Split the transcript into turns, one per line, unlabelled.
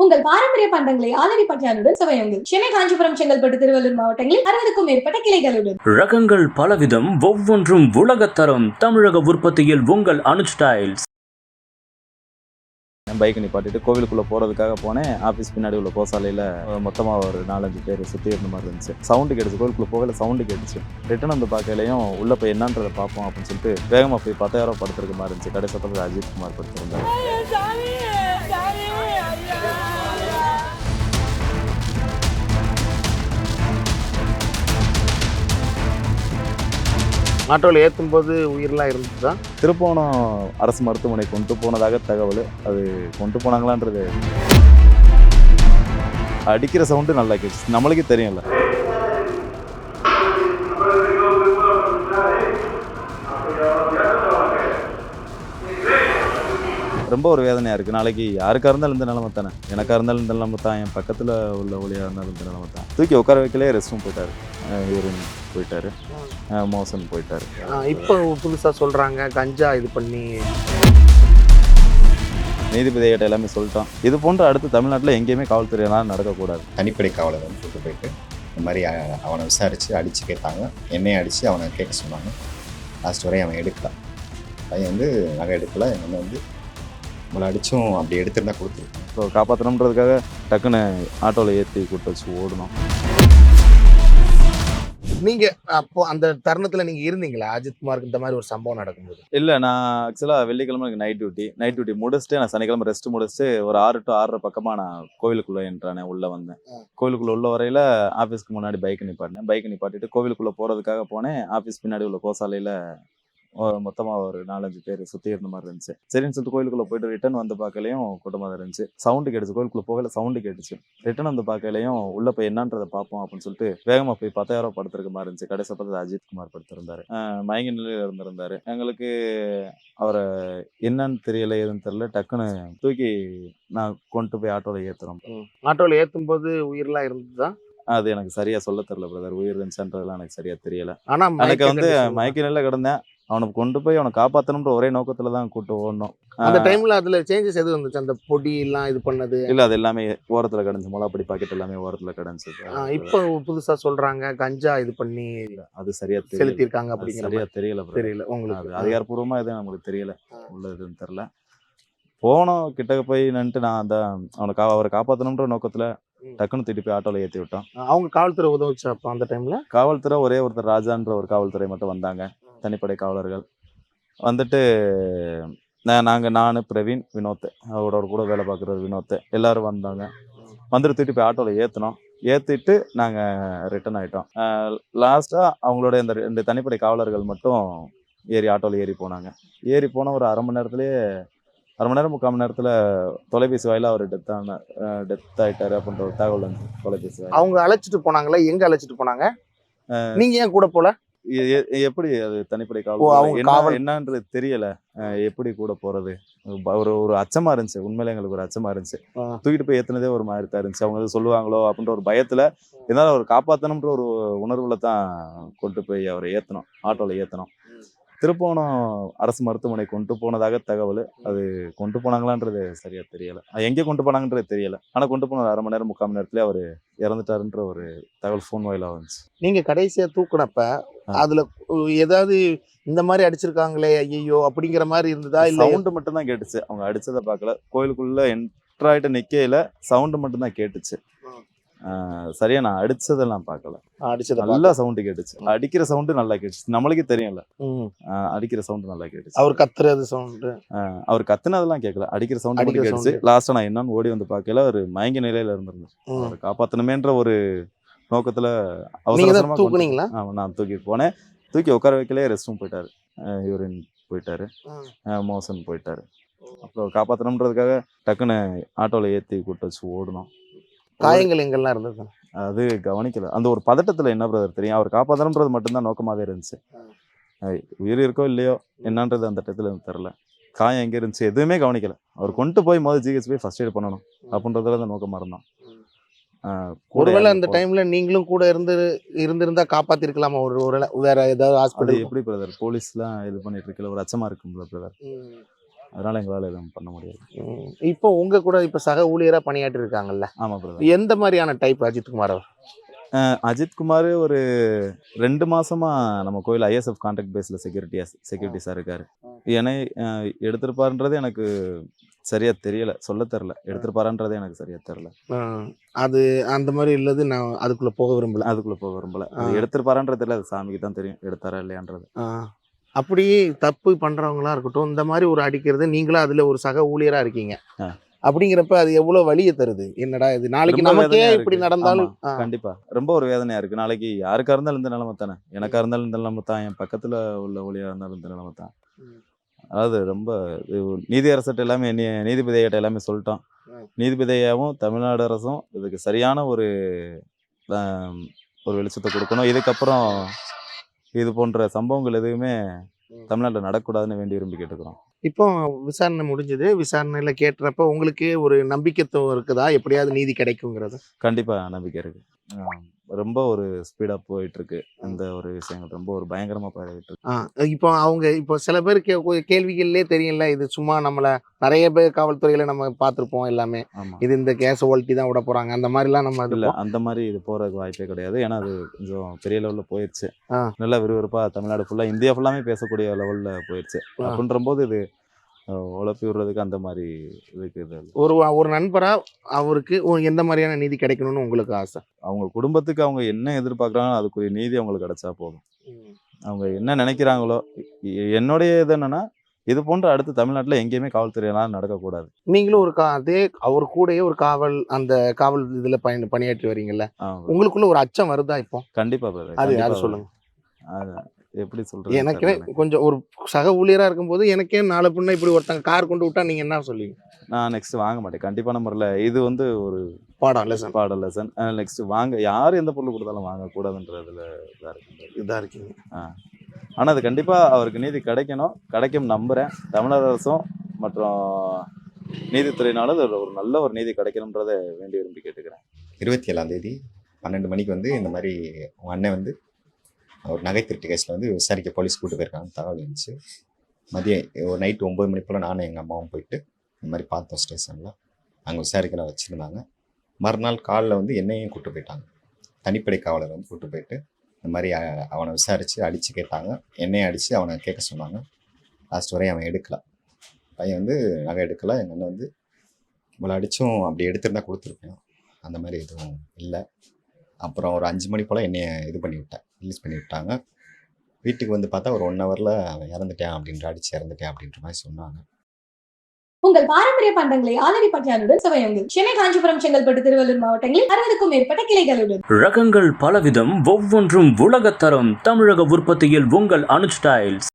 உங்கள் பாரம்பரிய பண்டங்களை ஆலடி பட்டியாருடன் சுவையுங்கள். சென்னை, காஞ்சிபுரம், செங்கல்பட்டு, திருவள்ளூர் மாவட்டங்களில் 60க்கும் மேற்பட்ட கிளைகளுடன்.
ரகங்கள் பலவிதம், ஒவ்வொன்றும் உலகத்தரம். தமிழக உற்பத்தியில் உங்கள் அனுஜ் டைல்ஸ்.
பைக் நிப்பாட்டிட்டு கோவிலுக்குள்ளே போகிறதுக்காக போனேன். ஆஃபீஸ் பின்னாடி உள்ள கோசாலையில் மொத்தமாக ஒரு 4-5 பேர் சுற்றி இருந்த மாதிரி இருந்துச்சு. சவுண்டு கேட்டுச்சு, கோவிலுக்குள்ளே போகல, சவுண்டு கேட்டுச்சு. ரிட்டன் வந்து பார்க்கலையும் உள்ளே போய் என்னன்றதை பார்ப்போம் அப்படின்னு சொல்லிட்டு வேகமாக போய் 10,000 படுத்துருக்க மாதிரி இருந்துச்சு. கடை சத்தத்தில் அஜித் குமார் படுத்திருந்தார்.
ஆட்டோவில் ஏற்றும் போது உயிரெலாம் இருந்துச்சு தான்.
திருப்போணம் அரசு மருத்துவமனை கொண்டு போனதாக தகவல். அது கொண்டு போனாங்களான்றது அடிக்கிற சவுண்டு நல்லா கேட்டுச்சு, நம்மளுக்கே தெரியும்ல. ரொம்ப ஒரு வேதனையாக இருக்குது. நாளைக்கு யாருக்காக இருந்தாலும் இந்த நிலைமை தானே, எனக்காக இருந்தாலும் இந்த நிலைமை தான், என் பக்கத்தில் உள்ள ஒளியாக இருந்தாலும் இந்த நிலைமை தான். தூக்கி உட்கார வைக்கலே ரெஸ்ட் ரூம் போயிட்டார், யூரின் போயிட்டார், மோசன் போயிட்டார்.
இப்போ புதுசாக சொல்கிறாங்க கஞ்சா இது பண்ணி.
நீதிபதிகிட்ட எல்லாமே சொல்லிட்டோம். இது போன்ற அடுத்து தமிழ்நாட்டில் எங்கேயுமே காவல்துறையெல்லாம் நடக்கக்கூடாது.
தனிப்படை காவலர் வந்து கூட்டு போயிட்டு இந்த மாதிரி அவனை விசாரித்து அடித்து கேட்டாங்க. என்னையும் அடித்து அவனை கேட்க சொன்னாங்க. லாஸ்ட் வரையும் அவன் எடுக்கல. பையன் வந்து நகை எடுக்கல. எங்கள் வந்து நம்மளை அடித்தும் அப்படி எடுத்துருந்தா கொடுத்துருக்கோம்.
ஸோ காப்பாற்றணுன்றதுக்காக டக்குன்னு ஆட்டோவில் ஏற்றி கூட்டு வச்சு ஓடணும்.
நீங்கள் அப்போ அந்த தருணத்தில் நீங்கள் இருந்தீங்களா அஜித் குமாருக்கு இந்த மாதிரி ஒரு சம்பவம் நடக்கும்போது?
இல்லை, நான் ஆக்சுவலாக வெள்ளிக்கிழமை எனக்கு நைட் டியூட்டி முடிச்சுட்டு நான் சனிக்கிழமை ரெஸ்ட் முடிச்சுட்டு ஒரு 6 to 6:30 பக்கமாக நான் கோவிலுக்குள்ளே என்றானே உள்ளே வந்தேன். கோவிலுக்குள்ளே உள்ள வரையில் ஆஃபீஸ்க்கு முன்னாடி பைக் நிப்பாட்டிட்டு கோவிலுக்குள்ளே போகிறதுக்காக போனேன். ஆஃபீஸ் பின்னாடி உள்ள கோசாலையில் மொத்தமாக ஒரு 4-5 பேர் சுற்றி இருந்த மாதிரி இருந்துச்சு. சரின்னு சொல்லிட்டு கோயிலுக்குள்ளே போயிட்டு ரிட்டன் வந்து பார்க்கலையும் கூட்டமாக தான் இருந்துச்சு. சவுண்டு கேட்டுச்சு, கோயிலுக்குள்ளே போகல, சவுண்டு கேட்டுச்சு. ரிட்டன் வந்து பார்க்கலையும் உள்ளே போய் என்னன்றதை பார்ப்போம் அப்படின்னு சொல்லிட்டு வேகமாக போய் 10,000 படுத்துருக்க மாதிரி இருந்துச்சு. கடை சத்தத்தில் அஜித் குமார் படுத்திருந்தார். மயங்கி நிலையில் இருந்திருந்தார். எங்களுக்கு அவரை என்னன்னு தெரியல, எதுன்னு தெரியல. டக்குன்னு தூக்கி நான் கொண்டு போய் ஆட்டோவில் ஏற்றுறோம்.
ஆட்டோவில் ஏற்றும் போது உயிரெலாம் இருந்துச்சு தான்.
அது எனக்கு சரியாக சொல்ல தெரியல பிரதர், உயிர் இருந்துச்சுன்றதுலாம் எனக்கு சரியாக தெரியல.
ஆனால்
எனக்கு வந்து மயக்க நிலையில் கிடந்தேன். அவனுக்கு கொண்டு போய் அவனை காப்பாற்றணுன்ற ஒரே நோக்கத்தில் தான் கூட்டு ஓடணும்.
அந்த டைமில் அதில் சேஞ்சஸ் எதுவும் வந்துச்சு? அந்த பொடி எல்லாம் இது பண்ணது
இல்லை, அது எல்லாமே ஓரத்தில் கிடந்துச்சு. மிளகாப்பொடி பாக்கெட் எல்லாமே ஓரத்தில் கிடந்துச்சு.
இப்போ புதுசாக சொல்கிறாங்க கஞ்சா இது பண்ணி
அது சரியாக
செலுத்தியிருக்காங்க அப்படிங்கிற
சரியாக தெரியல
உங்களுக்கு.
அது அதிகாரப்பூர்வமாக எதுவும் நம்மளுக்கு தெரியல, உள்ளதுன்னு தெரில. போனோம் கிட்டக்க போய் நின்றுட்டு நான் அந்த அவரை காப்பாற்றணுன்ற நோக்கத்தில் டக்குன்னு திட்டி போய் ஆட்டோவில் ஏற்றி விட்டோம்.
அவங்க காவல்துறை உதவுச்சு அப்போ அந்த டைமில்?
காவல்துறை ஒரே ஒருத்தர் ராஜான்ற ஒரு காவல்துறை மட்டும் வந்தாங்க, தனிப்படை காவலர்கள் வந்துட்டு. நான் பிரவீன், வினோத், அவரோட கூட வேலை பார்க்குற வினோத் எல்லோரும் வந்தாங்க. வந்துட்டு தூக்கிட்டு போய் ஆட்டோவில் ஏற்றினோம். ஏற்றிட்டு நாங்கள் ரிட்டன் ஆகிட்டோம். லாஸ்ட்டாக அவங்களோட இந்த 2 தனிப்படை காவலர்கள் மட்டும் ஆட்டோவில் ஏறி போனாங்க. ஏறி போன ஒரு 1/2 மணி நேரத்துலேயே 1/2 மணி நேரம் 3/4 மணி நேரத்தில் தொலைபேசி வாயில அவர் டெத் ஆகிட்டாரு அப்படின்ற ஒரு தகவல் வந்து தொலைபேசி வாயில.
அவங்க அழைச்சிட்டு போனாங்களா? எங்கே அழைச்சிட்டு போனாங்க? நீங்கள் ஏன் கூட போல?
எப்படி அது தனிப்படை காவல் என்னன்றது தெரியல. எப்படி கூட போறது ஒரு அச்சமா இருந்துச்சு. உண்மையில எங்களுக்கு ஒரு அச்சமா இருந்துச்சு. தூக்கிட்டு போய் ஏத்துனதே ஒரு மாதிரி தான் இருந்துச்சு. அவங்க சொல்லுவாங்களோ அப்படின்ற ஒரு பயத்துல இருந்தாலும் அவர் காப்பாற்றணுன்ற ஒரு உணர்வுல தான் கொண்டு போய் அவரை ஏத்தணும், ஆட்டோல ஏத்தணும். திருப்போணம் அரசு மருத்துவமனை கொண்டு போனதாக தகவல். அது கொண்டு போனாங்களான்றது சரியா தெரியல, எங்கே கொண்டு போனாங்கன்றது தெரியல. ஆனா கொண்டு போன 1/2 மணி நேரம் 3/4 மணி நேரத்துல அவர் இறந்துட்டாருன்ற ஒரு தகவல் ஃபோன் வாயிலா வந்துச்சு.
நீங்க கடைசியா தூக்குனப்ப அதுல ஏதாவது இந்த மாதிரி அடிச்சிருக்காங்களே ஐயோ அப்படிங்கிற மாதிரி இருந்ததா? இல்ல
சவுண்டு மட்டும் தான் கேட்டுச்சு. அவங்க அடிச்சதை பார்க்கல. கோயிலுக்குள்ள என்ட்ராயிட்ட நிக்கையில சவுண்டு மட்டும் தான் கேட்டுச்சு. சரியா நான் அடிச்சதெல்லாம் பார்க்கல. நல்லா சவுண்டு கேட்டுச்சு. அடிக்கிற சவுண்டு நல்லா கேட்டுச்சு, நம்மளுக்கே தெரியும்ல. அடிக்கிற சவுண்டு நல்லா கேட்டுச்சு.
அவர் கத்துறது சவுண்டு,
அவர் கத்துனதெல்லாம் கேட்கல, அடிக்கிற சவுண்டு மட்டும் கேட்டுச்சு. லாஸ்டா நான் என்னன்னு ஓடி வந்து பார்க்கல, அவர் மயங்கி நிலையில இருந்திருந்தேன். அவரை காப்பாற்றணுமேன்ற ஒரு நோக்கத்துல அவசரமா
தூக்குனீங்களா?
நான் தூக்கி போனேன். தூக்கி உட்கார வைக்கலே ரெஸ்ட் ரூம் போயிட்டாரு, யூரின் போயிட்டாரு, மோசன் போயிட்டாரு. அப்புறம் காப்பாற்றணுன்றதுக்காக டக்குன்னு ஆட்டோவில் ஏற்றி கூட்டு வச்சு ஓடணும்.
காயங்கள் எங்கெல்லாம் இருந்தது
அது கவனிக்கல. அந்த ஒரு பதட்டத்தில் என்ன பிரதர் தெரியும், அவர் காப்பாற்றணுன்றது மட்டும்தான் நோக்கமாகவே இருந்துச்சு. உயிர் இருக்கோ இல்லையோ என்னன்றது அந்த இடத்துல தெரில. காயம் எங்கே இருந்துச்சு எதுவுமே கவனிக்கல. அவர் கொண்டு போய் ஜிஹெச் போய் ஃபர்ஸ்ட் எய்ட் பண்ணணும் அப்படின்றதுல தான் நோக்கமாக இருந்தோம்.
ஒருவேளை அந்த டைம்ல நீங்களும் கூட இருந்திருந்தா காப்பாத்திருக்கலாமா? வேற ஏதாவது ஹாஸ்பிட்டல்?
எப்படி பிரதர் போலீஸ்லாம் இது பண்ணிட்டு இருக்கல, ஒரு அச்சமா இருக்கும்ல பிரதர். அதனால எங்களால் எதுவும் பண்ண முடியாது.
இப்போ உங்க கூட இப்போ சக ஊழியரா பணியாற்றி இருக்காங்கல்ல,
ஆமாம் பிரதர்.
எந்த மாதிரியான டைப் அஜித்குமார் அவர்?
அஜித்குமார் ஒரு 2 மாசமா நம்ம கோயில் ஐஎஸ்எஃப் கான்ட்ராக்ட் பேஸில் செக்யூரிட்டிஸாக இருக்காரு. என்னை எடுத்திருப்பாருன்றது எனக்கு சரியா தெரியல, சொல்ல தெரில. எடுத்திருப்பாருன்றதே எனக்கு சரியா தெரில.
அது அந்த மாதிரி இல்லது, நான் அதுக்குள்ள போக விரும்பல.
அதுக்குள்ள போக விரும்பல. அது எடுத்திருப்பாருன்றது தெரியல, அது சாமிக்கு தான் தெரியும் எடுத்தாரா இல்லையான்றது.
அப்படி தப்பு பண்றவங்களா இருக்கட்டும், இந்த மாதிரி ஒரு அடிக்கிறது, நீங்களும் அதுல ஒரு சக ஊழியரா இருக்கீங்க அப்படிங்கிறப்ப அது எவ்வளவு வலியை தருது. என்னடா இது, நாளைக்கு
ரொம்ப
நமக்கே
வேதனையா
இப்படி
இருக்கு.
நடந்தாலும்
கண்டிப்பா ரொம்ப ஒரு வேதனையா இருக்கு. நாளைக்கு யாருக்கா இருந்தாலும் இந்த நிலைமை தானே, எனக்கா இருந்தாலும் இந்த நிலைமை தான், என் பக்கத்துல உள்ள ஒளியா இருந்தாலும் இந்த நிலைமை தான். அதாவது ரொம்ப நீதி அரசர்கிட்ட எல்லாமே நீதிபதிகிட்ட எல்லாமே சொல்லிட்டோம். நீதிபதியாகவும் தமிழ்நாடு அரசும் இதுக்கு சரியான ஒரு வெளிச்சத்தை கொடுக்கணும். இதுக்கப்புறம் இது போன்ற சம்பவங்கள் எதுவுமே தமிழ்நாட்டில் நடக்கக்கூடாதுன்னு வேண்டி விரும்பி கேட்டுக்கிறோம்.
இப்போ விசாரணை முடிஞ்சது. விசாரணையில கேட்டுறப்ப உங்களுக்கு ஒரு நம்பிக்கைத்துவம் இருக்குதா, எப்படியாவது நீதி கிடைக்குங்கிறது?
கண்டிப்பா நம்பிக்கை இருக்கு. ரொம்ப ஒரு ஸ்பீடா போயிட்டு இருக்கு இந்த ஒரு விஷயங்கள், ரொம்ப ஒரு பயங்கரமா போயிட்டு இருக்கு.
இப்போ அவங்க இப்போ சில பேர் கேள்விகள்லேயே தெரியல, இது சும்மா நம்மள நிறைய பேர் காவல்துறையில நம்ம பார்த்துருப்போம் எல்லாமே,
ஆமா,
இது இந்த கேஸை ஒல்ட்டி தான் விட போறாங்க, அந்த மாதிரிலாம் நம்ம
இல்ல அந்த மாதிரி இது போறதுக்கு வாய்ப்பே கிடையாது. ஏன்னா அது கொஞ்சம் பெரிய லெவல்ல போயிடுச்சு.
ஆ.
நல்லா விறுவிறுப்பா தமிழ்நாடு ஃபுல்லா, இந்தியா ஃபுல்லாமே பேசக்கூடிய லெவல்ல போயிடுச்சு. அப்படின்ற போது இது உழப்பி விடுறதுக்கு அந்த மாதிரி இதுக்கு இது
ஒரு நண்பரா அவருக்கு எந்த மாதிரியான நீதி கிடைக்கணும்னு உங்களுக்கு ஆசை?
அவங்க குடும்பத்துக்கு அவங்க என்ன எதிர்பார்க்குறாங்களோ அதுக்குரிய நீதி அவங்களுக்கு கிடைச்சா போதும். அவங்க என்ன நினைக்கிறாங்களோ, என்னுடைய இது என்னன்னா, இது போன்ற அடுத்து தமிழ்நாட்டில் எங்கேயுமே காவல்துறையெல்லாம் நடக்கக்கூடாது.
நீங்களும் ஒரு அதே அவர் கூடயே ஒரு அந்த காவல் இதுல பணியாற்றி வரீங்கல்ல, உங்களுக்குள்ள ஒரு அச்சம் வருதா இப்போ?
கண்டிப்பா
அது யாரும் சொல்லுங்க.
எப்படி சொல்றது,
எனக்கே கொஞ்சம் ஒரு சக ஊழியரா இருக்கும்போது எனக்கே நாளை பின்ன இப்படி ஒருத்தங்க கார் கொண்டு விட்டா நீங்க என்ன சொல்லுவீங்க?
நான் நெக்ஸ்ட் வாங்க மாட்டேன் கண்டிப்பான முறையில். இது ஒரு
பாடம்
லெசன். நெக்ஸ்ட் யார் எந்த பொருள் கொடுத்தாலும் வாங்கக்கூடாதுன்றதுல
இதாக இருக்கீங்க.
ஆனால் அது கண்டிப்பாக அவருக்கு நீதி கிடைக்கும் நம்புகிறேன். தமிழக அரசும் மற்றும் நீதித்துறையினாலும் ஒரு நல்ல ஒரு நீதி கிடைக்கணுன்றதை வேண்டி விரும்பி கேட்டுக்கிறேன்.
27ஆம் தேதி 12 மணிக்கு இந்த மாதிரி உங்கள் அண்ணன் ஒரு நகை திருட்டு கேஸில் விசாரிக்க போலீஸ் கூப்பிட்டு போயிருக்காங்க தகவல் இருந்துச்சு. மதியம் ஒரு நைட்டு 9 மணி போல் நானும் எங்கள் அம்மாவும் போயிட்டு இந்த மாதிரி பார்த்தோம் ஸ்டேஷனில். அங்கே விசாரிக்க வச்சுருந்தாங்க. மறுநாள் காலில் என்னையும் கூப்பிட்டு போயிட்டாங்க. தனிப்படை காவலர் கூப்பிட்டு போயிட்டு இந்த மாதிரி அவனை விசாரித்து அடித்து கேட்டாங்க. என்னையும் அடித்து அவனை கேட்க சொன்னாங்க. லாஸ்ட் வரையும் அவன் எடுக்கலை. பையன் நகை எடுக்கலை. எங்கள் அண்ணன் இவ்வளோ அடித்தும் அப்படி எடுத்துருந்தா கொடுத்துருப்பேன். அந்த மாதிரி எதுவும் இல்லை. அப்புறம் ஒரு 5 மணி போல் என்னைய ரிலீஸ் பண்ணி விட்டாங்க. வீட்டுக்கு பார்த்தா ஒரு 1 ஹவரில் அவன் இறந்துட்டேன் அடித்து இறந்துட்டேன் அப்படின்ற மாதிரி சொன்னாங்க.
உங்கள் பாரம்பரிய பண்டங்களை ஆலடி பட்டியானுடன் சுவையுங்கள். சென்னை, காஞ்சிபுரம், செங்கல்பட்டு, திருவள்ளூர் மாவட்டங்களில் 60க்கும் மேற்பட்ட கிளைகளுடன்.
ரகங்கள் பலவிதம், ஒவ்வொன்றும் உலகத்தரம். தமிழக உற்பத்தியில் உங்கள் அனுஜ் டைல்ஸ்.